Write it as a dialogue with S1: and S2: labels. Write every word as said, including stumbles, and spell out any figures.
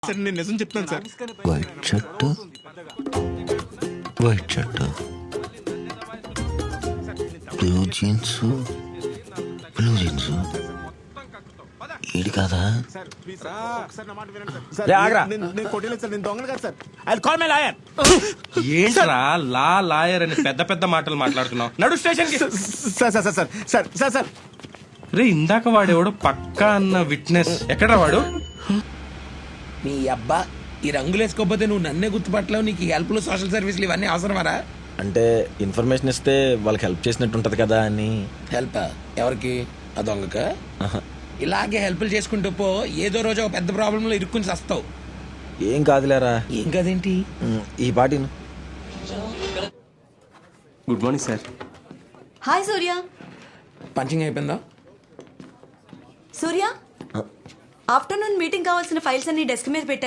S1: Sir నేను నిజం చెప్తాను sir.
S2: White shirt white shirt blue jeans blue jeans ఈడు కదా.
S1: రే, ఆగ్రా. నేను నేను కొట్టలేదు సార్, నేను దొంగను కాదు sir. I will call my lawyer.
S3: ఏంట్రా లా లాయర్ అని పెద్ద పెద్ద మాటలు మాట్లాడుతున్నావు? నడు స్టేషన్ కి.
S1: Sir sir sir sir sir sir sir
S3: రే, ఇందాక వాడేవాడు పక్కా అన్న విట్నెస్ ఎక్కడా వాడు?
S4: నీ అబ్బా ఈ రంగులు వేసుకోకపోతే నువ్వు నన్నే గుర్తుపట్టలేవు. నీకు హెల్ప్లు సోషల్ సర్వీసులు ఇవన్నీ అవసరమారా?
S2: అంటే ఇన్ఫర్మేషన్ ఇస్తే వాళ్ళకి హెల్ప్ చేసినట్టు ఉంటది కదా అని.
S4: హెల్ప్ ఎవరికి? ఆ దొంగక? ఇలాగే హెల్ప్లు చేసుకుంటూ పో, ఏదో రోజు ఒక పెద్ద ప్రాబ్లంలో ఇరుక్కుని వస్తావు.
S2: ఏం కాదులేరా.
S4: ఏం కదేంటి?
S2: ఉమ్, ఈ పాటిను.
S3: Good morning sir.
S5: Hi Surya.
S4: Punching అయిపోయిందా?
S5: సూర్య ఆఫ్టర్నూన్ మీటింగ్ కావాల్సిన ఫైల్స్ అన్ని డెస్క్ మీద పెట్టాను.